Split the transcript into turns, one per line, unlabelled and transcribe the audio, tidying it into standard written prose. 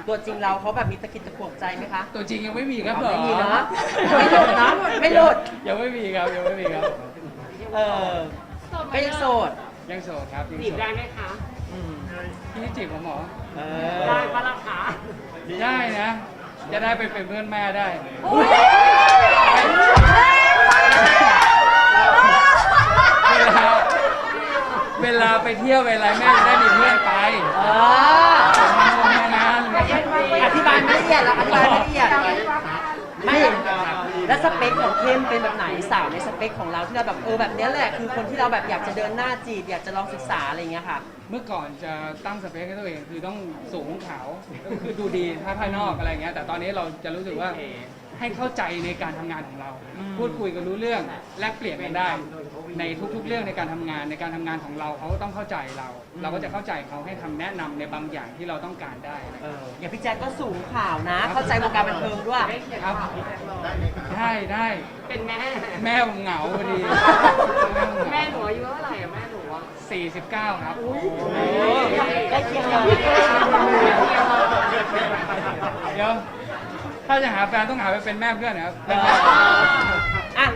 ตัวจริงเราเขาแบบมีตะกิดตะขวงใจไหมคะ
ตัวจริงยังไม่มีครับ
ไม่มีเนาะไม่หลุดเนาะไม่หลุด
ยังไม่มีครับยังไม่มีครับ
เออก็ยังโสด
ยังโสดครับยัง
จีบ
โสด
ได้ไหมคะ
อืม
พี่จีบผมเหรอ
เอ
ได้
อ
ปะล่ะคะ
ได้นะ จะได้ไปเป็นเพื่อนแม่ได้ เวลาไปเที่ยวเวลาแม่จะได้มีเพื่อนไป
เออ
ทำงาน
อธิบายไม่ละเอียดแล้วอธิบายไม่ละเอียดไม่แล้วสเปคของเข้มเป็นแบบไหนสาวในสเปคของเราที่เราแบบแบบเนี้ยแหละคือคนที่เราแบบอยากจะเดินหน้าจีบอยากจะลองศึกษาอะไรอย่างเงี้ยค่ะ
เมื่อก่อนจะตั้งสเปคให้ตัวเองคือต้องสูงขาวคือดูดีถ้าภายนอกอะไรเงี้ยแต่ตอนนี้เราจะรู้สึกว่าให้เข้าใจในการทำงานของเรา พูดคุยกันรู้เรื่องแลกเปลี่ยนกันได้ ในทุกๆเรื่องในการทำงานในการทำงานของเราเขาก็ต้องเข้าใจเรา เราก็จะเข้าใจเขาให้คำแนะนำในบางอย่างที่เราต้องการได้
อย่างพี่แจ๊คก็สูงข่าวนะ เข้าใจวงการบันเทิงด้วย
ครับได้ได้
เป็นแม่
แม่ผมเหงาพอดี
แม่หนูอายุเท่าไหร่อะแม่หนูอะ
49 ครับ
ใกล้เคียงเลย
เดี๋ยวถ้าจะหาแฟนต้องหาไปเป็นแม่เพื่อนนะครับ
อ่ะ